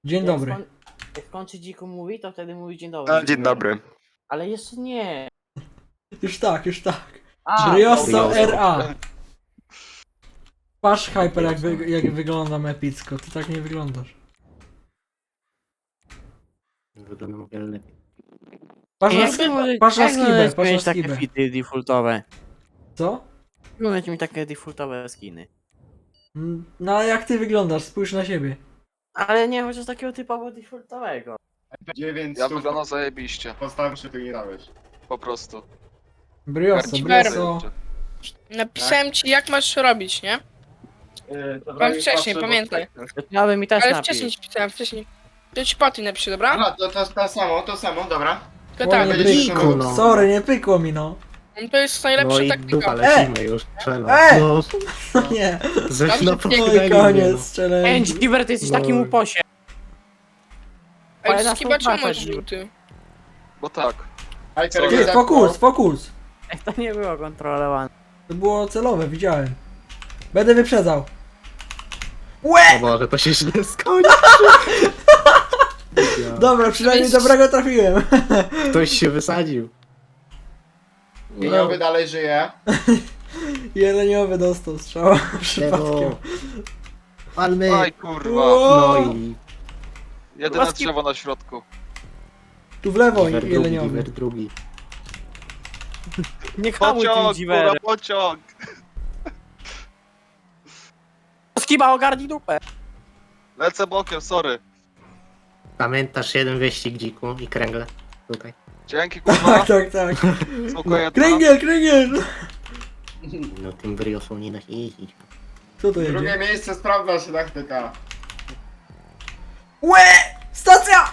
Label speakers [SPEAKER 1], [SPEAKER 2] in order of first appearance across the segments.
[SPEAKER 1] Dzień dobry.
[SPEAKER 2] Jak kończy dziku mówi, to wtedy mówi dzień dobry.
[SPEAKER 3] Dzień dobry.
[SPEAKER 2] Ale jeszcze nie.
[SPEAKER 1] Już tak, już tak.
[SPEAKER 2] A,
[SPEAKER 1] Brioso
[SPEAKER 3] Brioso.
[SPEAKER 1] RA. Patrz Hyper jak wyglądam epicko, ty tak nie wyglądasz.
[SPEAKER 3] Wyglądam o wiele lepiej.
[SPEAKER 1] Patrz na,
[SPEAKER 2] Jak wy możecie-
[SPEAKER 1] patrz na
[SPEAKER 2] jak
[SPEAKER 1] skibę,
[SPEAKER 2] możecie
[SPEAKER 1] patrz na
[SPEAKER 2] mieć takie
[SPEAKER 1] skibę.
[SPEAKER 2] fity defaultowe?
[SPEAKER 1] Co?
[SPEAKER 2] Możecie mieć takie defaultowe skiny.
[SPEAKER 1] No ale jak ty wyglądasz, spójrz na siebie.
[SPEAKER 2] Ale nie chociaż takiego typowo defaultowego.
[SPEAKER 4] 9
[SPEAKER 3] Ja
[SPEAKER 4] stów
[SPEAKER 3] wyglądam zajebiście.
[SPEAKER 4] postawisz, ty nie dałeś.
[SPEAKER 3] Po prostu.
[SPEAKER 1] Brioso,
[SPEAKER 5] Hyper.
[SPEAKER 1] brioso.
[SPEAKER 5] Napisałem ci jak masz robić, nie? Mam wcześniej, pamiętaj.
[SPEAKER 2] Ja bym mi też
[SPEAKER 5] Ale
[SPEAKER 2] napił.
[SPEAKER 5] wcześniej ci pisałem, wcześniej. To ci Patty napiszę, dobra?
[SPEAKER 4] Aha, to samo, dobra.
[SPEAKER 5] To tak,
[SPEAKER 1] nie
[SPEAKER 4] będziesz
[SPEAKER 1] pykło,
[SPEAKER 4] szukał.
[SPEAKER 3] no.
[SPEAKER 1] sorry, nie pykło mi no.
[SPEAKER 5] to jest najlepsza taktyka.
[SPEAKER 3] lecimy już, strzelam.
[SPEAKER 1] No nie,
[SPEAKER 3] Ześ
[SPEAKER 5] na
[SPEAKER 1] oj koniec, strzelę.
[SPEAKER 2] Ej, Giver, ty jesteś
[SPEAKER 3] No.
[SPEAKER 2] takim uposie.
[SPEAKER 5] Ej,
[SPEAKER 2] na
[SPEAKER 5] skiba czemu
[SPEAKER 2] współpracę,
[SPEAKER 5] masz
[SPEAKER 2] Giver.
[SPEAKER 5] żółty?
[SPEAKER 3] Bo tak.
[SPEAKER 4] Hyper,
[SPEAKER 1] Ty, fokus, fokus.
[SPEAKER 2] Ej, to nie było kontrolowane.
[SPEAKER 1] To było celowe, widziałem. Będę wyprzedzał. Łe!
[SPEAKER 3] O Boże, to się źle skończy.
[SPEAKER 1] Dobra, przynajmniej dobrego trafiłem.
[SPEAKER 3] Ktoś się wysadził.
[SPEAKER 4] Jeniowy dalej żyje.
[SPEAKER 1] Jeleniowy dostał strzała przypadkiem.
[SPEAKER 3] Palmy.
[SPEAKER 6] Aj kurwa,
[SPEAKER 3] No i
[SPEAKER 6] jedyne
[SPEAKER 2] Łaski-
[SPEAKER 6] drzewo na środku.
[SPEAKER 1] Tu w lewo
[SPEAKER 3] Giver drugi,
[SPEAKER 1] jeleniowy.
[SPEAKER 3] Giver drugi.
[SPEAKER 2] Nie hamuj tym
[SPEAKER 6] Pociąg, kurwa,
[SPEAKER 2] Giverem.
[SPEAKER 6] pociąg!
[SPEAKER 2] Skiba, ogarnij dupę.
[SPEAKER 6] Lecę bokiem, sorry.
[SPEAKER 3] Pamiętasz jeden wyścig dziku i kręgle? Tutaj.
[SPEAKER 6] Dzięki kurwa,
[SPEAKER 1] Tak, tak.
[SPEAKER 6] spoko jedna.
[SPEAKER 1] Kręgiel, kręgiel!
[SPEAKER 3] No tym briosą nie da się jeździć.
[SPEAKER 1] Co to
[SPEAKER 4] Drugie
[SPEAKER 1] jedzie?
[SPEAKER 4] miejsce, sprawdza się taktyka.
[SPEAKER 1] Łe! Stacja!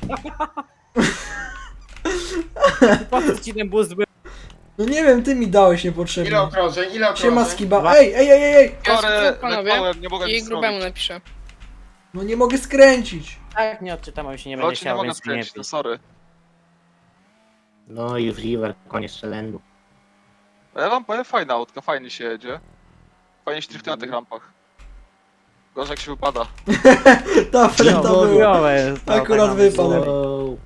[SPEAKER 2] Po co ci ten boost był?
[SPEAKER 1] No nie wiem, ty mi dałeś
[SPEAKER 4] Ile
[SPEAKER 1] niepotrzebnie.
[SPEAKER 4] okrążeń, ile okrążeń?
[SPEAKER 1] Siema skiba. Ej, ej, ej, ej!
[SPEAKER 5] Ja
[SPEAKER 6] Sorry,
[SPEAKER 5] skrót, panowie.
[SPEAKER 6] leknąłem, nie mogłem
[SPEAKER 5] I
[SPEAKER 6] nic
[SPEAKER 5] grubemu
[SPEAKER 6] zrobić.
[SPEAKER 5] napiszę.
[SPEAKER 1] No nie mogę skręcić.
[SPEAKER 2] Tak, nie odczytam, bo się nie będę
[SPEAKER 6] Chodź, nie
[SPEAKER 2] chciał,
[SPEAKER 6] mogę
[SPEAKER 2] więc nie
[SPEAKER 6] skręcić, no sorry.
[SPEAKER 3] No i już Giver, koniec challenge'u.
[SPEAKER 6] A ja wam powiem, fajna autka, fajnie się jedzie. Fajnie się driftuje na tych rampach. Gorzej jak się wypada.
[SPEAKER 1] Dobre to było.
[SPEAKER 2] chujowe jest to,
[SPEAKER 1] Akurat
[SPEAKER 2] tak
[SPEAKER 1] wypadł.
[SPEAKER 2] nawet.
[SPEAKER 3] Wow.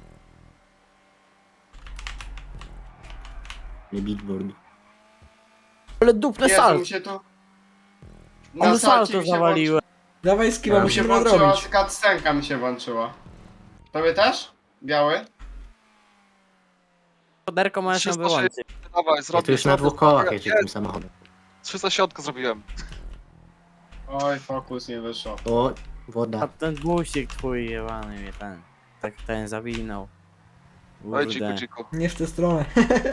[SPEAKER 3] Nie bigboard.
[SPEAKER 2] Ale dupne
[SPEAKER 4] Jezu, mi
[SPEAKER 2] salt.
[SPEAKER 4] się tu...
[SPEAKER 2] On
[SPEAKER 4] salcie
[SPEAKER 2] salto
[SPEAKER 4] mi się
[SPEAKER 2] zawaliłem.
[SPEAKER 1] Dawaj skiba,
[SPEAKER 3] Ja
[SPEAKER 4] Mi się
[SPEAKER 1] musimy
[SPEAKER 4] włączyła,
[SPEAKER 1] nadrobić.
[SPEAKER 4] cutscenka mi się włączyła. Tobie też? Biały?
[SPEAKER 2] Poderko możesz ją
[SPEAKER 6] 360.
[SPEAKER 2] wyłączyć.
[SPEAKER 6] Dawaj,
[SPEAKER 3] Ja
[SPEAKER 6] zrobię.
[SPEAKER 3] tu już na dwóch kołach jeżdżę tym samochodem.
[SPEAKER 6] 360 zrobiłem.
[SPEAKER 4] Oj, fokus nie wyszło.
[SPEAKER 3] O,
[SPEAKER 2] A
[SPEAKER 3] woda.
[SPEAKER 2] ten busik twój jebany mnie ten. Tak ten zawinął.
[SPEAKER 6] Oj,
[SPEAKER 2] Kurde.
[SPEAKER 6] dziku, dziku.
[SPEAKER 1] Nie w tę stronę.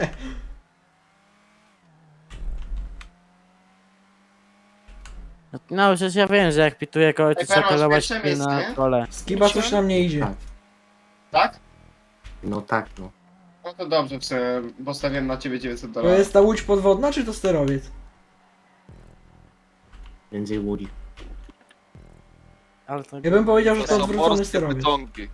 [SPEAKER 2] No przecież ja wiem, że jak pituję kogoś, to
[SPEAKER 4] Ej,
[SPEAKER 2] trzeba
[SPEAKER 4] Permas,
[SPEAKER 2] kolować
[SPEAKER 4] pierwsze miejsce,
[SPEAKER 2] na
[SPEAKER 4] nie?
[SPEAKER 2] kole.
[SPEAKER 1] Skiba coś nam nie idzie.
[SPEAKER 3] Tak.
[SPEAKER 4] Tak?
[SPEAKER 3] No tak, no.
[SPEAKER 4] No to dobrze, postawiłem na ciebie 900
[SPEAKER 1] To
[SPEAKER 4] dolarów.
[SPEAKER 1] jest ta łódź podwodna, czy to sterowiec?
[SPEAKER 3] Między Woody.
[SPEAKER 2] Ale to...
[SPEAKER 1] Ja bym powiedział, że
[SPEAKER 6] To
[SPEAKER 1] to
[SPEAKER 6] są
[SPEAKER 1] odwrócony
[SPEAKER 6] morskie
[SPEAKER 1] sterowiec.
[SPEAKER 6] pociągi.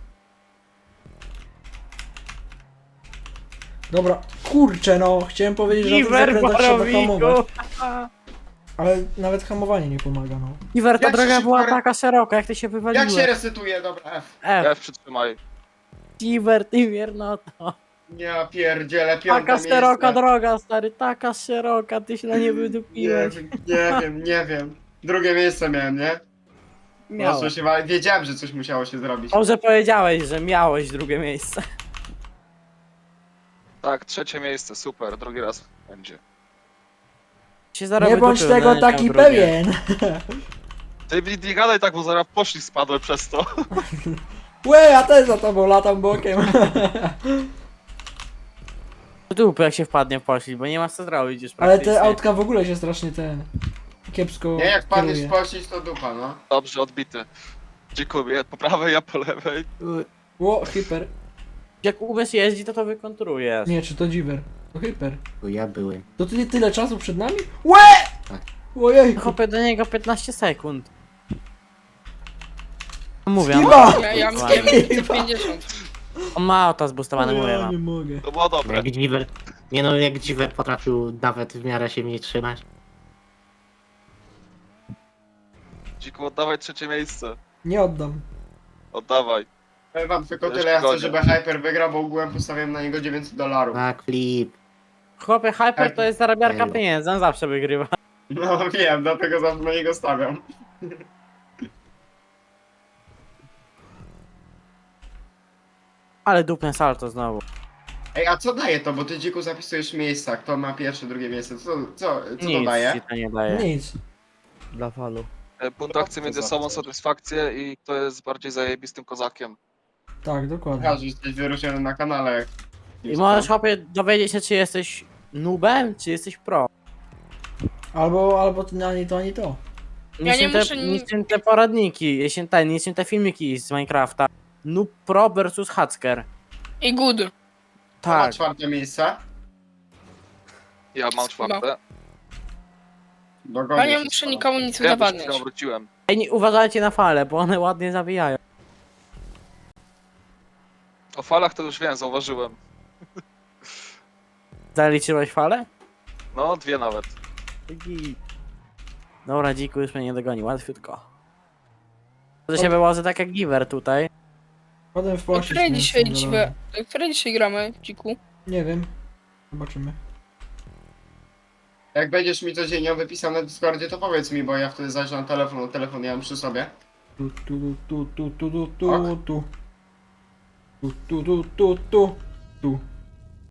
[SPEAKER 1] Dobra, kurczę no, chciałem powiedzieć, że na tych
[SPEAKER 2] Giver
[SPEAKER 1] zakrętach trzeba hamować.
[SPEAKER 2] borowiku!
[SPEAKER 1] Ale nawet hamowanie nie pomaga, no.
[SPEAKER 2] Giver, ta
[SPEAKER 4] Jak
[SPEAKER 2] droga
[SPEAKER 4] się
[SPEAKER 2] była
[SPEAKER 4] szybko-
[SPEAKER 2] taka szeroka, jak ty się
[SPEAKER 4] Jak
[SPEAKER 2] wywaliłeś.
[SPEAKER 4] się resetuje? Dobra, F.
[SPEAKER 2] F,
[SPEAKER 6] Przytrzymaj.
[SPEAKER 2] Giver, ty wiernoto.
[SPEAKER 4] Ja pierdzielę, piąte
[SPEAKER 2] Taka
[SPEAKER 4] miejsce.
[SPEAKER 2] szeroka droga, stary, taka szeroka, ty się na nie
[SPEAKER 4] Nie
[SPEAKER 2] wydupiłeś.
[SPEAKER 4] wiem, nie wiem. Drugie miejsce miałem, nie?
[SPEAKER 2] Miałeś.
[SPEAKER 4] No, wiedziałem, że coś musiało się zrobić.
[SPEAKER 2] Dobrze powiedziałeś, że miałeś drugie miejsce.
[SPEAKER 6] Tak, trzecie miejsce, super, drugi raz będzie.
[SPEAKER 2] Się zaraz
[SPEAKER 1] Nie bądź
[SPEAKER 2] wydupił,
[SPEAKER 1] tego
[SPEAKER 2] no,
[SPEAKER 1] taki
[SPEAKER 2] tam drugie.
[SPEAKER 1] pewien.
[SPEAKER 6] Ty nie gadaj tak, bo zaraz poszli spadłem przez to.
[SPEAKER 1] Łe, ja też za tobą latam bokiem.
[SPEAKER 2] Dupy jak się wpadnie w poślizg, bo nie ma co zrobić już
[SPEAKER 1] Ale
[SPEAKER 2] praktycznie.
[SPEAKER 1] te autka w ogóle się strasznie kiepsko
[SPEAKER 4] Nie, jak padniesz
[SPEAKER 1] kieruje.
[SPEAKER 4] w pościg, to dupa, no.
[SPEAKER 6] Dobrze, odbity. Dziękuję, po prawej, ja po lewej.
[SPEAKER 1] Ło, hyper.
[SPEAKER 2] Jak Ubers jeździ, to wykontrujesz.
[SPEAKER 1] Nie, czy to dziwer? To hyper.
[SPEAKER 3] To ja byłem.
[SPEAKER 1] To ty tyle czasu przed nami? Łe!
[SPEAKER 3] Tak.
[SPEAKER 1] Ojej.
[SPEAKER 2] Chopę do niego 15 sekund. Mówię,
[SPEAKER 1] Skiba!
[SPEAKER 5] Ja
[SPEAKER 2] Skiba.
[SPEAKER 5] miałem 50.
[SPEAKER 2] on ma auto zbustowane, mówię
[SPEAKER 1] Ja
[SPEAKER 2] wam.
[SPEAKER 1] nie mogę.
[SPEAKER 6] To było dobre.
[SPEAKER 3] Jak Giver. Nie no, jak Giver potrafił nawet w miarę się mnie trzymać.
[SPEAKER 6] Dziku, oddawaj trzecie miejsce.
[SPEAKER 1] Nie oddam.
[SPEAKER 6] Oddawaj.
[SPEAKER 4] Powiem wam tylko
[SPEAKER 6] Wiesz,
[SPEAKER 4] tyle, ja chcę,
[SPEAKER 6] godzien.
[SPEAKER 4] żeby Hyper wygrał, bo ogółem postawiłem na niego $900.
[SPEAKER 3] Backflip.
[SPEAKER 2] Chłopie, Hyper to jest zarabiarka
[SPEAKER 3] Elo.
[SPEAKER 2] pieniędzy, on zawsze wygrywa.
[SPEAKER 4] No wiem, dlatego zawsze na niego stawiam.
[SPEAKER 2] Ale dupne salto znowu.
[SPEAKER 4] Ej, a co daje to? Bo ty dziku zapisujesz miejsca, kto ma pierwsze, drugie miejsce. Co to
[SPEAKER 2] Nic
[SPEAKER 4] daje?
[SPEAKER 2] ci to nie daje.
[SPEAKER 1] Nic.
[SPEAKER 2] Dla falu.
[SPEAKER 6] Punktakcje
[SPEAKER 4] to
[SPEAKER 6] między
[SPEAKER 4] za
[SPEAKER 6] sobą,
[SPEAKER 4] coś?
[SPEAKER 6] satysfakcję i kto jest bardziej zajebistym kozakiem.
[SPEAKER 1] Tak, dokładnie.
[SPEAKER 4] Ja, że jesteś wyróżniony na kanale.
[SPEAKER 2] I możesz chłopie dowiedzieć się, czy jesteś noobem, czy jesteś pro.
[SPEAKER 1] Albo to ani to, ani to.
[SPEAKER 5] Ja nie muszę
[SPEAKER 2] niczym te poradniki, niczym te filmiki z Minecrafta. Noob pro versus hacker.
[SPEAKER 5] I good.
[SPEAKER 4] Kto ma
[SPEAKER 2] Tak.
[SPEAKER 4] czwarte miejsce?
[SPEAKER 6] Ja mam czwarte.
[SPEAKER 4] Dogonię
[SPEAKER 5] Ja nie
[SPEAKER 4] się
[SPEAKER 5] muszę
[SPEAKER 4] z tobą.
[SPEAKER 5] nikomu nic
[SPEAKER 6] Ja przed
[SPEAKER 5] udowadniać.
[SPEAKER 6] chwilą wróciłem.
[SPEAKER 2] Ej, nie uważajcie na fale, bo one ładnie zawijają.
[SPEAKER 6] O falach to już wiem, zauważyłem.
[SPEAKER 2] Zaliczyłeś falę?
[SPEAKER 6] No, 2 nawet.
[SPEAKER 2] Dobra, dziku już mnie nie dogoni, łatwiutko. To się wyłoży tak jak Giver tutaj.
[SPEAKER 1] Potem
[SPEAKER 5] O
[SPEAKER 1] wpłacić.
[SPEAKER 5] której
[SPEAKER 1] nie
[SPEAKER 5] dzisiaj,
[SPEAKER 1] chcę,
[SPEAKER 5] dziwe, o której dzisiaj gramy, dziku?
[SPEAKER 1] Nie wiem. Zobaczymy.
[SPEAKER 4] Jak będziesz mi codziennie wypisał na Discordzie, to powiedz mi, bo ja wtedy zajrzę na telefon, telefon ja mam przy sobie.
[SPEAKER 1] Tu, tu, tu, tu, tu, tu, tu,
[SPEAKER 4] Ok.
[SPEAKER 1] tu. Tu, tu, tu, tu, tu. Tu.